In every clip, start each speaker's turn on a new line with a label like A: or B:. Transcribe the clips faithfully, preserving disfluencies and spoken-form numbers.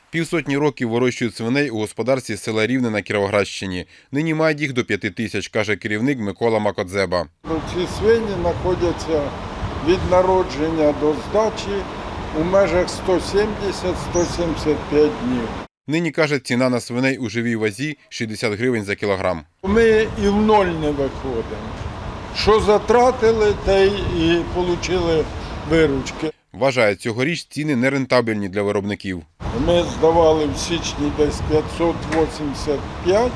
A: Півсотні років вирощують свиней у господарстві села Рівне на Кіровоградщині. Нині мають їх до п'яти тисяч, каже керівник Микола Макодзеба.
B: Ці свині знаходяться від народження до здачі у межах сто сімдесят - сто сімдесят п'ять днів.
A: Нині, каже, ціна на свиней у живій вазі – шістдесят гривень за кілограм.
B: Ми і в ноль не виходимо. Що затратили, те і отримали виручки.
A: Вважає, цьогоріч ціни нерентабельні для виробників.
B: Ми здавали в січні десь п'ятсот вісімдесят п'ять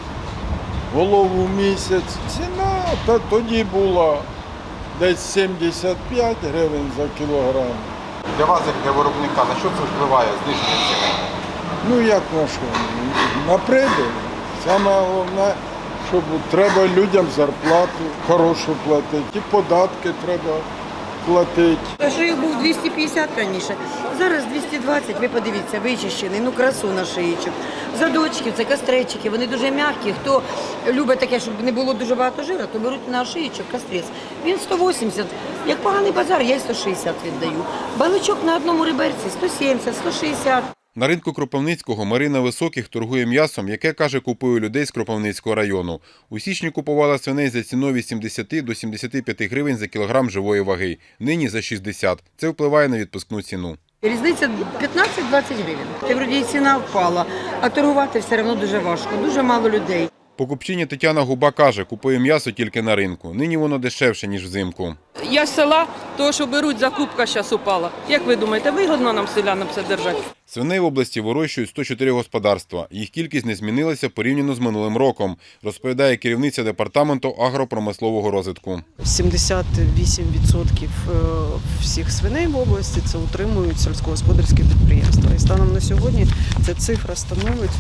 B: голов у місяць. Ціна та тоді була десь сімдесят п'ять гривень за кілограм.
A: Для вас, як для виробника, на що це впливає зниження ціни?
B: Ну як на що? На прибиль. Саме головне, щоб треба людям зарплату хорошу платити, і податки треба платити.
C: Що їх був двісті п'ятдесят раніше, зараз двісті двадцять, ви подивіться, вичищений, ну красу на шиїчок. Задочки, це кастречики, вони дуже м'які. Хто любить таке, щоб не було дуже багато жира, то беруть на шиїчок кастрець. Він сто вісімдесят, як поганий базар, я й сто шістдесят віддаю. Баличок на одному реберці сто сімдесят - сто шістдесят.
A: На ринку Кропивницького Марина Високих торгує м'ясом, яке, каже, купує людей з Кропивницького району. У січні купувала свиней за ціною від сімдесяти до сімдесяти п'яти гривень за кілограм живої ваги. Нині за шістдесят. Це впливає на відпускну ціну.
C: Різниця п'ятнадцять - двадцять гривень. Ти вроді і ціна впала, а торгувати все одно дуже важко, дуже мало людей.
A: Покупчиня Тетяна Губа каже, купує м'ясо тільки на ринку. Нині воно дешевше, ніж взимку.
D: Я з села, того, що беруть, закупка зараз упала. Як ви думаєте, вигодно нам селянам це держати?
A: Свиней в області вирощують сто чотири господарства. Їх кількість не змінилася порівняно з минулим роком, розповідає керівниця департаменту агропромислового розвитку.
E: сімдесят вісім відсотків всіх свиней в області це утримують сільськогосподарські підприємства. І станом на сьогодні ця цифра становить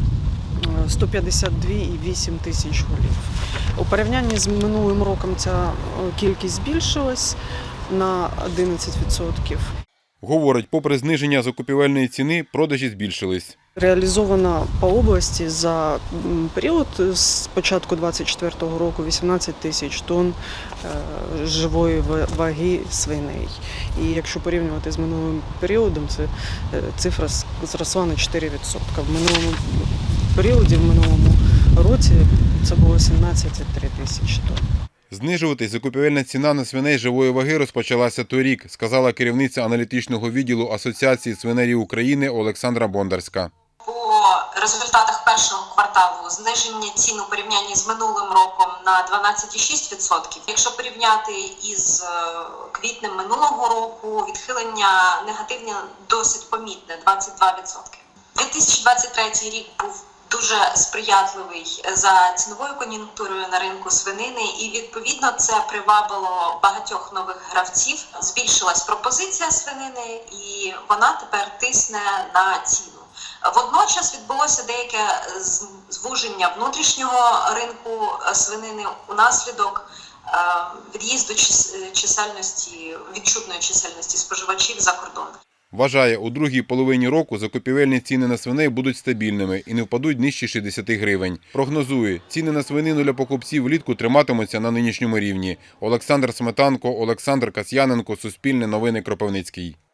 E: сто п'ятдесят два і вісім тисяч голів. У порівнянні з минулим роком ця кількість збільшилась на одинадцять відсотків.
A: Говорить, попри зниження закупівельної ціни, продажі збільшились.
E: Реалізовано по області за період з початку двадцять четвертого року вісімнадцять тисяч тонн живої ваги свиней. І якщо порівнювати з минулим періодом, це цифра зросла на чотири відсотки. В минулому періоді, в минулому році це було сімнадцять цілих три тисячі тонн.
A: Знижуватись закупівельна ціна на свиней живої ваги розпочалася торік, сказала керівниця аналітичного відділу Асоціації свинарів України Олександра Бондарська.
F: По результатах першого кварталу зниження цін у порівнянні з минулим роком на дванадцять цілих шість десятих відсотка. Якщо порівняти із квітнем минулого року, відхилення негативне досить помітне – двадцять два відсотки. дві тисячі двадцять третій рік був дуже сприятливий за ціновою кон'юнктурою на ринку свинини, і відповідно це привабило багатьох нових гравців. Збільшилась пропозиція свинини, і вона тепер тисне на ціну. Водночас відбулося деяке звуження внутрішнього ринку свинини унаслідок від'їзду чисельності, відчутної чисельності споживачів за кордон.
A: Вважає, у другій половині року закупівельні ціни на свиней будуть стабільними і не впадуть нижче шістдесяти гривень. Прогнозує, ціни на свинину для покупців влітку триматимуться на нинішньому рівні. Олександр Сметанко, Олександр Касьяненко, Суспільне новини, Кропивницький.